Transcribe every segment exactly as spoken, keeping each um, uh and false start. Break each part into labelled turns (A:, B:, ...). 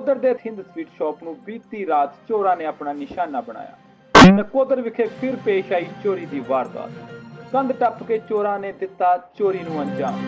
A: ਨਕੋਦਰ ਦੇ Thind sweet shop ਨੂੰ ਬੀਤੀ ਰਾਤ ਚੋਰਾਂ ਨੇ ਆਪਣਾ ਨਿਸ਼ਾਨਾ ਬਣਾਇਆ। ਨਕੋਦਰ ਵਿਖੇ ਫਿਰ ਪੇਸ਼ ਆਈ ਚੋਰੀ ਦੀ ਵਾਰਦਾਤ। ਕੰਧ ਟੱਪ ਕੇ ਚੋਰਾਂ ਨੇ ਦਿੱਤਾ ਚੋਰੀ ਨੂੰ ਅੰਜਾਮ।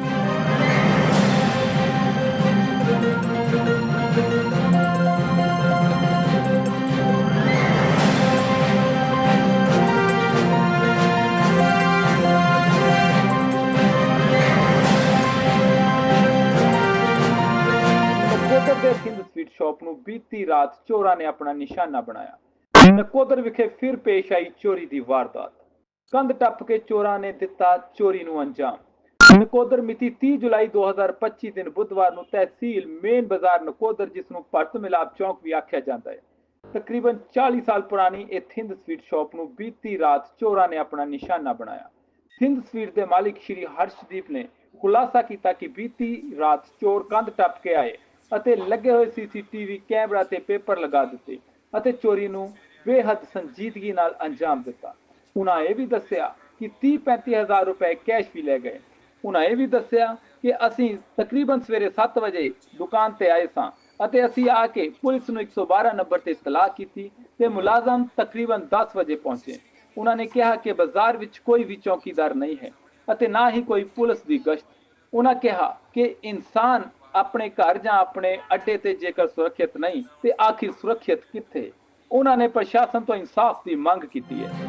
A: ਨਕੋਦਰ ਦੇ ਥਿੰਦ ਸਵੀਟ ਸ਼ਾਪ ਨੂੰ ਬੀਤੀ ਰਾਤ ਚੋਰਾਂ ਨੇ ਆਪਣਾ ਨਿਸ਼ਾਨਾ ਬਣਾਇਆ। ਨਕੋਦਰ ਵਿਖੇ ਫਿਰ ਪੇਸ਼ ਆਈ ਚੋਰੀ ਦੀ ਵਾਰਦਾਤ। ਕੰਧ ਟੱਪ ਕੇ ਚੋਰਾਂ ਨੇ ਦਿੱਤਾ ਚੋਰੀ ਨੂੰ ਅੰਜਾਮ। ਨਕੋਦਰ ਮਿਤੀ ਤੀਹ ਜੁਲਾਈ ਦੋ ਹਜ਼ਾਰ ਪੱਚੀ ਦਿਨ ਬੁੱਧਵਾਰ ਨੂੰ ਤਹਿਸੀਲ ਮੇਨ ਬਾਜ਼ਾਰ ਨਕੋਦਰ, ਜਿਸ ਨੂੰ ਭਰਤ ਮਿਲਾਪ ਚੌਂਕ ਵੀ ਆਖਿਆ ਜਾਂਦਾ ਹੈ, ਤਕਰੀਬਨ ਚਾਲੀ ਸਾਲ ਪੁਰਾਣੀ ਇਹ ਥਿੰਦ ਸਵੀਟ ਸ਼ਾਪ ਨੂੰ ਬੀਤੀ ਰਾਤ ਚੋਰਾਂ ਨੇ ਆਪਣਾ ਨਿਸ਼ਾਨਾ ਬਣਾਇਆ। ਥਿੰਦ ਸਵੀਟ ਦੇ ਮਾਲਿਕ ਸ਼੍ਰੀ ਹਰਸ਼ਦੀਪ ਨੇ ਖੁਲਾਸਾ ਕੀਤਾ ਕਿ ਬੀਤੀ ਰਾਤ ਚੋਰ ਕੰਧ ਟੱਪ ਕੇ ਆਏ ਅਤੇ ਲੱਗੇ ਹੋਏ ਸੀਸੀਟੀਵੀ ਕੈਮਰਾ ਤੇ ਪੇਪਰ ਲਗਾ ਦਿੱਤੇ ਅਤੇ ਚੋਰੀ ਨੂੰ ਬੇਹੱਦ ਸੰਜੀਦਗੀ ਨਾਲ ਅੰਜਾਮ ਦਿੱਤਾ। ਉਹਨਾਂ ਇਹ ਵੀ ਦੱਸਿਆ ਕਿ ਤੀਹ ਪੈਂਤੀ ਹਜ਼ਾਰ ਰੁਪਏ ਕੈਸ਼ ਵੀ ਲੈ ਗਏ। ਉਹਨਾਂ ਇਹ ਵੀ ਦੱਸਿਆ ਕਿ ਅਸੀਂ ਤਕਰੀਬਨ ਸਵੇਰੇ ਸੱਤ ਵਜੇ ਦੁਕਾਨ ਤੇ ਆਏ ਸਾਂ ਅਤੇ ਅਸੀਂ ਆ ਕੇ ਪੁਲਿਸ ਨੂੰ ਇੱਕ ਸੌ ਬਾਰਾਂ ਨੰਬਰ ਤੇ ਇਤਲਾਹ ਕੀਤੀ ਤੇ ਮੁਲਾਜ਼ਮ ਤਕਰੀਬਨ ਦਸ ਵਜੇ ਪਹੁੰਚੇ। ਉਹਨਾਂ ਨੇ ਕਿਹਾ ਕਿ ਬਾਜ਼ਾਰ ਵਿੱਚ ਕੋਈ ਵੀ ਚੌਕੀਦਾਰ ਨਹੀਂ ਹੈ ਅਤੇ ਨਾ ਹੀ ਕੋਈ ਪੁਲਿਸ ਦੀ ਗਸ਼ਤ। ਉਹਨਾਂ ਕਿਹਾ ਕਿ ਇਨਸਾਨ ਆਪਣੇ ਘਰ ਜਾਂ ਆਪਣੇ ਅੱਡੇ ਤੇ ਜੇਕਰ ਸੁਰੱਖਿਅਤ ਨਹੀਂ ਤੇ ਆਖਿਰ ਸੁਰੱਖਿਅਤ ਕਿੱਥੇ। ਉਹਨਾਂ ਨੇ ਪ੍ਰਸ਼ਾਸਨ ਤੋਂ ਇਨਸਾਫ ਦੀ ਮੰਗ ਕੀਤੀ ਹੈ।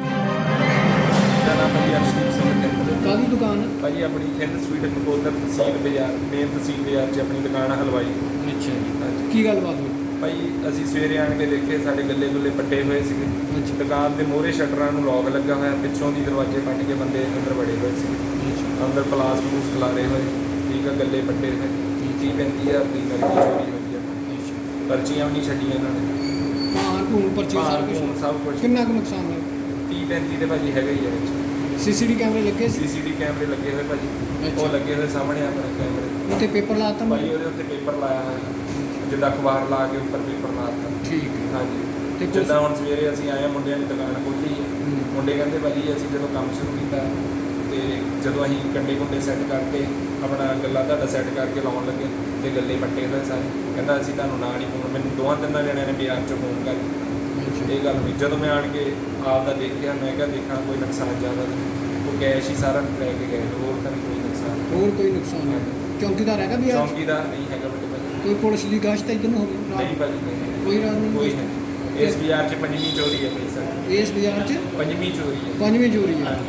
B: ਕਾਹਦੀ ਦੁਕਾਨ ਹੈ
C: ਭਾਜੀ? ਆਪਣੀ ਥਿੰਦ ਸਵੀਟ ਨਕੋਦਰ ਤਹਿਸੀਲ ਬਾਜ਼ਾਰ, ਮੇਨ ਤਹਿਸੀਲ ਬਾਜ਼ਾਰ 'ਚ ਆਪਣੀ ਦੁਕਾਨ ਹਲਵਾਈ।
B: ਅੱਛਾ ਜੀ, ਕੀ ਗੱਲਬਾਤ ਹੋਈ?
C: ਭਾਈ ਅਸੀਂ ਸਵੇਰੇ ਆਣ ਕੇ ਦੇਖੇ ਸਾਡੇ ਗੱਲੇ ਗੁੱਲੇ ਪੱਟੇ ਹੋਏ ਸੀਗੇ। ਦੁਕਾਨ ਦੇ ਮੋਹਰੇ ਸ਼ਟਰਾਂ ਨੂੰ ਲੌਕ ਲੱਗਾ ਹੋਇਆ, ਪਿੱਛੋਂ ਦੀ ਦਰਵਾਜ਼ੇ ਪੱਟ ਕੇ ਬੰਦੇ ਅੰਦਰ ਵੜੇ ਹੋਏ ਸੀ। ਅੰਦਰ ਪਲਾਸ ਪਲੂਸ ਖਿਲਾਰੇ ਹੋਏ, ਠੀਕ ਆ, ਗੱਲੇ ਪੱਟੇ ਹੋਏ। ਤੀਹ ਪੈਂਤੀ ਹਜ਼ਾਰ ਦੀ ਨਕਦੀ ਚੋਰੀ ਹੋਈ ਆ। ਪਰਚੀਆਂ ਵੀ ਨਹੀਂ ਛੱਡੀਆਂ ਇਹਨਾਂ ਨੇ।
B: ਹਾਂ ਧੂਣ ਪਰਚੀ ਸਾਰਾ ਕੁਝ
C: ਸਭ ਕੁਝ।
B: ਕਿੰਨਾ ਕੁ ਨੁਕਸਾਨ ਹੋਇਆ?
C: ਤੀਹ ਪੈਂਤੀ ਦੇ ਭਾਜੀ ਹੈਗਾ ਹੀ ਆ ਵਿੱਚ।
B: ਸੀਸੀਟੀ ਕੈਮਰੇ ਲੱਗੇ ਸੀ?
C: ਸੀਸੀਟੀ ਕੈਮਰੇ ਲੱਗੇ ਹੋਏ ਭਾਜੀ, ਉਹ ਲੱਗੇ ਹੋਏ ਸਾਹਮਣੇ ਆਪਣੇ ਕੈਮਰੇ।
B: ਉੱਤੇ ਪੇਪਰ ਲਾਤਾ
C: ਭਾਜੀ? ਉਹਦੇ ਉੱਤੇ ਪੇਪਰ ਲਾਇਆ ਹੋਇਆ, ਜਿੱਦਾਂ ਅਖਬਾਰ ਲਾ ਕੇ ਉੱਪਰ ਪੇਪਰ ਲਾਤਾ।
B: ਠੀਕ ਹੈ।
C: ਹਾਂਜੀ।
B: ਤੇ
C: ਜਿੱਦਾਂ ਹੁਣ ਸਵੇਰੇ ਅਸੀਂ ਆਏ ਮੁੰਡਿਆਂ ਦੀ ਦੁਕਾਨ ਖੋਲ੍ਹੀ ਹੈ, ਮੁੰਡੇ ਕਹਿੰਦੇ ਭਾਜੀ ਅਸੀਂ ਜਦੋਂ ਕੰਮ ਸ਼ੁਰੂ ਕੀਤਾ ਤੇ ਜਦੋਂ ਅਸੀਂ ਕੰਡੇ ਕੁੰਡੇ ਸੈੱਟ ਕਰਕੇ ਆਪਣਾ ਗੱਲਾਂ ਤੁਹਾਡਾ ਸੈੱਟ ਕਰਕੇ ਲਾਉਣ ਲੱਗੇ ਤੇ ਗੱਲੇ ਪੱਟੇ ਹੋਏ ਸਾਰੇ। ਕਹਿੰਦਾ ਅਸੀਂ ਤੁਹਾਨੂੰ ਨਾ ਨਹੀਂ ਫੋਨ, ਮੈਨੂੰ ਦੋਵਾਂ ਤਿੰਨਾਂ ਜਣਿਆਂ ਨੇ ਬਾਜ਼ਾਰ 'ਚੋਂ ਫੋਨ ਕਰ ਇਹ ਗੱਲ ਹੋਈ। ਜਦੋਂ ਮੈਂ ਆਣ ਕੇ ਆਪ ਦਾ ਦੇਖਿਆ, ਮੈਂ ਕਿਹਾ ਦੇਖਾਂ ਕੋਈ ਨੁਕਸਾਨ ਜ਼ਿਆਦਾ ਨਹੀਂ, ਉਹ ਕੈਸ਼ ਹੀ ਸਾਰਾ ਲੈ ਕੇ ਗਏ, ਹੋਰ ਤਾਂ ਨਹੀਂ ਕੋਈ ਨੁਕਸਾਨ।
B: ਹੋਰ ਕੋਈ ਨੁਕਸਾਨ ਨਹੀਂ? ਚੌਂਕੀਦਾਰ ਹੈਗਾ ਵੀ?
C: ਚੌਂਕੀਦਾਰ ਨਹੀਂ ਹੈਗਾ ਵੱਡੇ ਭਾਜੀ।
B: ਕੋਈ ਪੁਲਿਸ ਦੀ ਗਸ਼ਤ ਇੱਧਰ ਨੂੰ ਹੋਵੇ?
C: ਨਹੀਂ ਭਾਜੀ, ਨਹੀਂ,
B: ਕੋਈ ਰਾਤ ਨਹੀਂ?
C: ਕੋਈ ਨਹੀਂ। ਇਸ ਬਾਜ਼ਾਰ 'ਚ ਪੰਜਵੀਂ ਚੋਰੀ ਹੈ ਭਾਈ ਸਰ।
B: ਇਸ ਬਾਜ਼ਾਰ 'ਚ
C: ਪੰਜਵੀਂ ਚੋਰੀ ਹੈ।
B: ਪੰਜਵੀਂ ਚੋਰੀ ਹੈ।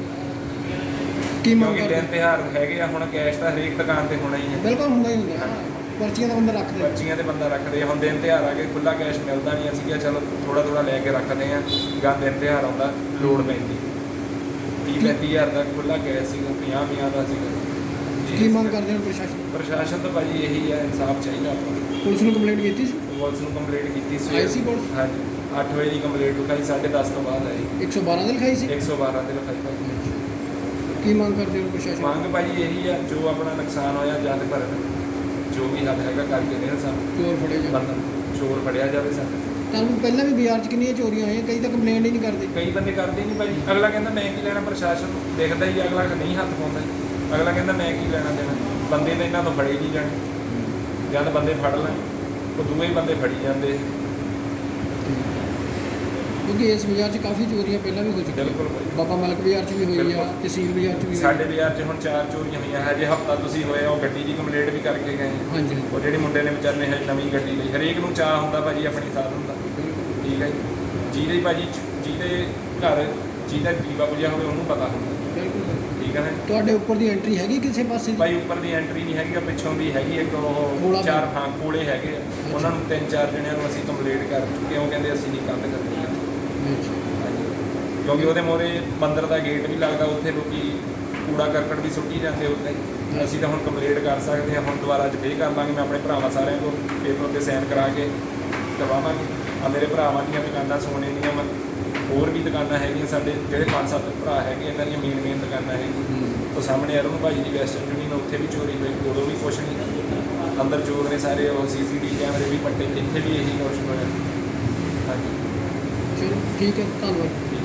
B: ਕੀ ਮੰਗ
C: ਕਿਉਂਕਿ
B: ਕਰਦੇ?
C: ਦਿਨ ਤਿਉਹਾਰ ਹੈਗੇ ਆ, ਹੁਣ ਕੈਸ਼ ਤਾਂ ਹਰੇਕ ਦੁਕਾਨ ਤੇ ਹੋਣਾ ਹੀ ਹੈ।
B: ਬਿਲਕੁਲ ਹੁੰਦਾ ਹੀ ਹੁੰਦਾ, ਪਰਚੀਆਂ ਦਾ ਬੰਦਾ ਰੱਖਦੇ।
C: ਪਰਚੀਆਂ ਤੇ ਬੰਦਾ ਰੱਖਦੇ। ਹੁਣ ਦਿਨ ਤਿਉਹਾਰ ਆ ਗਏ, ਖੁੱਲਾ ਕੈਸ਼ ਮਿਲਦਾ ਨਹੀਂ। ਅਸੀਂ ਕਿਹਾ ਚਲੋ ਥੋੜਾ ਥੋੜਾ ਲੈ ਕੇ ਰੱਖਦੇ ਹਾਂ, ਗਾਂ ਦਿਨ ਤਿਉਹਾਰ ਆਉਂਦਾ ਲੋੜ ਪੈਂਦੀ। ਤੀਹ ਪੈਂਤੀ ਹਜ਼ਾਰ ਦਾ ਖੁੱਲਾ ਕੈਸ਼ ਸੀਗਾ, ਪੰਜਾਹ ਪੰਜਾਹ ਦਾ ਸੀਗਾ।
B: ਕੀ ਮੰਗ ਕਰਦੇ ਹੋ ਪ੍ਰਸ਼ਾਸਨ?
C: ਪ੍ਰਸ਼ਾਸਨ ਤਾਂ ਭਾਜੀ ਇਹੀ ਹੈ, ਇਨਸਾਫ ਚਾਹੀਦਾ ਆਪਾਂ ਨੂੰ।
B: ਪੁਲਿਸ ਨੂੰ ਕੰਪਲੇਂਟ ਕੀਤੀ ਸੀ?
C: ਪੁਲਿਸ ਨੂੰ ਕੰਪਲੇਂਟ ਕੀਤੀ ਸੀ।
B: ਆਈ ਸੀ ਪੁਲਿਸ?
C: ਹਾਂਜੀ, ਅੱਠ ਵਜੇ ਦੀ ਕੰਪਲੇਂਟ ਲਿਖਾਈ, ਸਾਢੇ ਦਸ ਤੋਂ ਬਾਅਦ ਆਈ।
B: ਇੱਕ ਸੌ ਬਾਰਾਂ ਦੇ ਲਿਖਾਈ ਸੀ?
C: ਇੱਕ ਸੌ ਬਾਰਾਂ ਦੇ ਲਿਖਾਈ ਭਾਜੀ।
B: ਕੀ ਮੰਗ ਕਰਦੇ ਹੋ ਪ੍ਰਸ਼ਾਸਨ?
C: ਮੰਗ ਭਾਜੀ ਇਹੀ ਆ, ਜੋ ਆਪਣਾ ਨੁਕਸਾਨ ਹੋਇਆ ਜਦ ਭਰਨ, ਜੋ ਵੀ ਹੱਲ ਹੈਗਾ ਕਰਕੇ ਦੇਣ ਸਾਨੂੰ।
B: ਚੋਰ ਫੜੇ ਜਾਣ,
C: ਬੰਦਾ ਚੋਰ ਫੜਿਆ ਜਾਵੇ ਸਾਨੂੰ।
B: ਤੁਹਾਨੂੰ ਪਹਿਲਾਂ ਵੀ ਬਾਜ਼ਾਰ 'ਚ ਕਿੰਨੀਆਂ ਚੋਰੀਆਂ ਹੋਈਆਂ, ਕਈ ਤਾਂ ਕੰਪਲੇਂਟ ਹੀ ਨਹੀਂ ਕਰਦੇ।
C: ਕਈ ਬੰਦੇ ਕਰਦੇ ਨਹੀਂ ਭਾਜੀ। ਅਗਲਾ ਕਹਿੰਦਾ ਮੈਂ ਕੀ ਲੈਣਾ, ਪ੍ਰਸ਼ਾਸਨ ਦੇਖਦਾ ਹੀ ਅਗਲਾ ਨਹੀਂ ਹੱਥ ਪਾਉਂਦਾ। ਅਗਲਾ ਕਹਿੰਦਾ ਮੈਂ ਕੀ ਲੈਣਾ ਦੇਣਾ, ਬੰਦੇ ਤਾਂ ਇਹਨਾਂ ਤੋਂ ਫੜੇ ਨਹੀਂ ਜਾਣੇ। ਜਦ ਬੰਦੇ ਫੜ ਲੈਣ ਉਹ ਦੂਏ ਹੀ ਬੰਦੇ ਫੜੀ ਜਾਂਦੇ।
B: ਕਿਉਂਕਿ ਇਸ ਬਾਜ਼ਾਰ 'ਚ ਕਾਫੀ ਚੋਰੀਆਂ ਪਹਿਲਾਂ ਵੀ ਹੋ ਚੁੱਕੀਆਂ।
C: ਬਿਲਕੁਲ ਭਾਜੀ।
B: ਬਾਬਾ ਮਲਕ ਬਾਜ਼ਾਰ 'ਚ ਵੀ ਹੋਈ ਆ, ਤਹਿਸੀਲ ਬਾਜ਼ਾਰ 'ਚ ਵੀ ਹੋਈ।
C: ਸਾਡੇ ਬਾਜ਼ਾਰ 'ਚ ਹੁਣ ਚਾਰ ਚੋਰੀਆਂ ਹੋਈਆਂ ਹੈ। ਜੇ ਹਫਤਾ ਤੁਸੀਂ ਹੋਏ ਉਹ ਗੱਡੀ ਦੀ ਕੰਪਲੇਂਟ ਵੀ ਕਰਕੇ ਗਏ।
B: ਹਾਂਜੀ।
C: ਉਹ ਜਿਹੜੇ ਮੁੰਡੇ ਨੇ ਵਿਚਾਰੇ ਨੇ ਹਜੇ ਨਵੀਂ ਗੱਡੀ ਲਈ, ਹਰੇਕ ਨੂੰ ਚਾਅ ਹੁੰਦਾ ਭਾਜੀ ਆਪਣੀ ਸਾਧਨ ਦਾ। ਠੀਕ ਹੈ ਜੀ। ਜਿਹਦੇ ਭਾਜੀ ਜਿਹਦੇ ਘਰ ਜਿਹਦਾ ਦੀਵਾ ਬੁਝਿਆ ਹੋਵੇ ਉਹਨੂੰ ਪਤਾ ਹੁੰਦਾ।
B: ਬਿਲਕੁਲ।
C: ਠੀਕ ਹੈ ਨਾ।
B: ਤੁਹਾਡੇ ਉੱਪਰ ਦੀ ਐਂਟਰੀ ਹੈਗੀ ਕਿਸੇ ਪਾਸੇ?
C: ਭਾਈ ਉੱਪਰ ਦੀ ਐਂਟਰੀ ਨਹੀਂ ਹੈਗੀ, ਪਿੱਛੋਂ ਦੀ ਹੈਗੀ ਇੱਕ।
B: ਕੋਲਾ
C: ਉਹ ਚਾਰ ਹਾਂ ਕੋਲੇ ਹੈਗੇ ਆ। ਉਹਨਾਂ ਨੂੰ ਤਿੰਨ ਚਾਰ ਜਣਿਆਂ ਨੂੰ ਅਸੀਂ ਕੰਪਲੇਂਟ ਕਰ ਚੁੱਕੇ ਹਾਂ। ਉਹ ਕਹਿੰਦੇ ਅਸੀਂ ਨਹੀਂ ਕੰਧ ਕਰਨੀ ਆ। ਕਿਉਂਕਿ ਉਹਦੇ ਮੋਹਰੇ ਮੰਦਰ ਦਾ ਗੇਟ ਵੀ ਲੱਗਦਾ, ਉੱਥੇ ਲੋਕੀ ਕੂੜਾ ਕਰਕਟ ਵੀ ਸੁੱਟੀ ਜਾਂਦੇ ਉੱਥੇ। ਅਸੀਂ ਤਾਂ ਹੁਣ ਕੰਪਲੇਂਟ ਕਰ ਸਕਦੇ ਹਾਂ। ਹੁਣ ਦੁਬਾਰਾ ਅੱਜ ਫੇਰ ਕਰ ਲਾਂਗੇ। ਮੈਂ ਆਪਣੇ ਭਰਾਵਾਂ ਸਾਰਿਆਂ ਕੋਲ ਪੇਪਰ ਉੱਤੇ ਸਾਈਨ ਕਰਾ ਕੇ ਕਰਵਾਵਾਂਗੇ। ਆ ਮੇਰੇ ਭਰਾਵਾਂ ਦੀਆਂ ਦੁਕਾਨਾਂ ਸੋਨੇ ਦੀਆਂ ਵਾ, ਹੋਰ ਵੀ ਦੁਕਾਨਾਂ ਹੈਗੀਆਂ ਸਾਡੇ ਜਿਹੜੇ ਪੰਜ ਸੱਤ ਭਰਾ ਹੈਗੇ, ਇਹਨਾਂ ਦੀਆਂ ਮੇਨ ਮੇਨ ਦੁਕਾਨਾਂ ਹੈਗੀਆਂ। ਉਹ ਸਾਹਮਣੇ ਅਰੁਣ ਭਾਜੀ ਦੀ ਵੈਸਟਰਨ ਯੂਨੀਅਨ, ਉੱਥੇ ਵੀ ਚੋਰੀ ਹੋਈ, ਉਦੋਂ ਵੀ ਕੁਛ ਨਹੀਂ। ਅੰਦਰ ਚੋਰ ਨੇ ਸਾਰੇ, ਉਹ ਸੀ ਸੀ ਟੀ ਵੀ ਕੈਮਰੇ ਵੀ ਪੱਟੇ, ਇੱਥੇ ਵੀ ਇਹੀ ਕੁਛ ਹੋਇਆ। ਹਾਂਜੀ
B: ਚਲੋ ਠੀਕ ਹੈ, ਧੰਨਵਾਦ।